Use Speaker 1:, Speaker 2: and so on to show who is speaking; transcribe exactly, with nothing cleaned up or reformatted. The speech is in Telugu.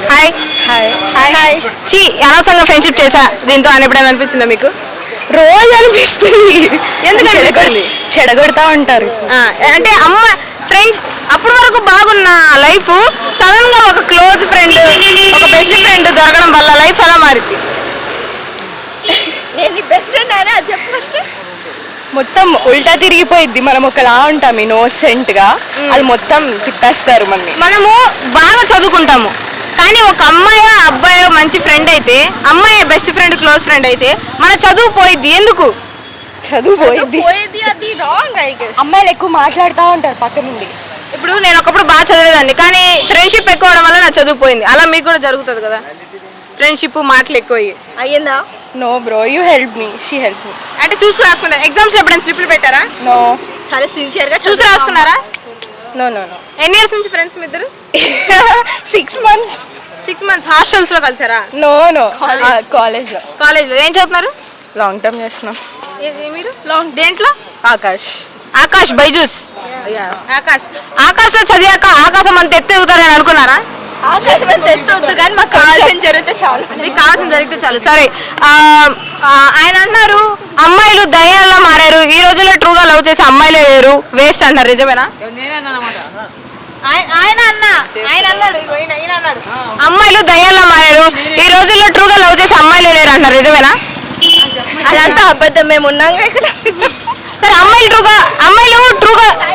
Speaker 1: హాయ్
Speaker 2: హాయ్
Speaker 1: హాయ్ హాయ్ చీ అనవసరంగా ఫ్రెండ్షిప్ చేసా దీంతో అని ఎప్పుడైనా అనిపించిందా మీకు?
Speaker 2: రోజు అనిపిస్తుంది.
Speaker 1: ఎందుకు అనిపిస్తుంది?
Speaker 2: చెడగొడతా ఉంటారు.
Speaker 1: ఆ, అంటే అమ్మ ఫ్రెండ్ అప్పటి వరకు బాగున్న లైఫ్ సడన్ గా ఒక క్లోజ్ ఫ్రెండ్ ఒక బెస్ట్ ఫ్రెండ్ దొరకడం వల్ల లైఫ్ ఎలా మారింది?
Speaker 2: నేను బెస్ట్ ఫ్రెండ్ అయినా అది చెప్పు ఫస్ట్. మొత్తం ఉల్టా తిరిగిపోయిద్ది. మనం ఒకలా ఉంటాం ఇన్నోసెంట్ గా, వాళ్ళు మొత్తం తిప్పేస్తారు మనని.
Speaker 1: మనము బాగా చదువుకుంటాము కానీ ఒక అమ్మాయి అబ్బాయి మంచి ఫ్రెండ్ అయితే, అమ్మాయి బెస్ట్ ఫ్రెండ్ క్లోజ్ ఫ్రెండ్ అయితే మన చదువు పోయిద్ది. ఎందుకు?
Speaker 2: చదువు పోయిద్ది.
Speaker 3: పోయేది అది రాంగ్ ఐ గెస్.
Speaker 2: అమ్మాయిలు ఎక్కువ మాట్లాడుతూ ఉంటారు పక్క నుండి.
Speaker 1: ఇప్పుడు నేను ఒకప్పుడు బాగా చదివేదాన్ని కానీ ఫ్రెండ్షిప్ ఎక్కువ అవడం వల్ల నా చదువు పోయింది. అలా మీకు కూడా జరుగుతుంది కదా, ఫ్రెండ్షిప్ మాటలు ఎక్కువ అయ్యి.
Speaker 3: అయ్యిందా?
Speaker 2: No bro, you help me, she help me.
Speaker 1: అంటే చూసి రాసుకుంటారు. ఎగ్జామ్స్ ఎప్పుడైనా స్లిప్లు పెట్టారా?
Speaker 2: నో
Speaker 3: చాలా సిన్సియర్ గా
Speaker 1: చూసి రాసుకున్నారా?
Speaker 2: No no no.
Speaker 1: ఎన్ని ఇయర్స్ నుంచి ఫ్రెండ్స్ మీ ఇద్దరు?
Speaker 2: Six months.
Speaker 1: Six months hostels లో కలిసారా?
Speaker 2: నో నో, కాలేజ్లో
Speaker 1: కాలేజ్ లో ఏం చదువుతున్నారు?
Speaker 2: లాంగ్ టర్మ్ చేస్తున్నాం.
Speaker 1: ఏ- ఏ మీరు లాంగ్ దేంట్లో?
Speaker 2: ఆకాష్.
Speaker 1: ఆకాష్ బైజూస్. ఆకాష్ ఆకాశ్ లో చదివాక ఆకాశం అంత ఎత్తెగుతారని అనుకున్నారా?
Speaker 3: ఆకాశం అంత ఎత్తొద్దు కానీ మాకు కావాల్సిన జరిగితే చాలు.
Speaker 1: మీకు కావాల్సిన జరిగితే చాలు. సరే, ఆ, ఆ, ఆయన అన్నారు అమ్మాయిలు దయ్యాల్లో మారారు, ఈ రోజుల్లో ట్రూగా లవ్ చేసే అమ్మాయిలే లేరు, వేస్ట్ అంటారు. నిజమేనా? ఆయన ఆయన అన్న ఆయన అన్నాడు ఇగో ఈయన ఈయన అన్నాడు అమ్మాయిలు దయ్యాల్లో మారారు, ఈ రోజుల్లో ట్రూగా లవ్ చేసే అమ్మాయిలే లేరు అంటారు. నిజమేనా?
Speaker 3: అదంతా అబద్ధం. మేము ఉన్నాం ఇక్కడ.
Speaker 1: సరే, అమ్మాయిలు ట్రూగా అమ్మాయిలు ట్రూగా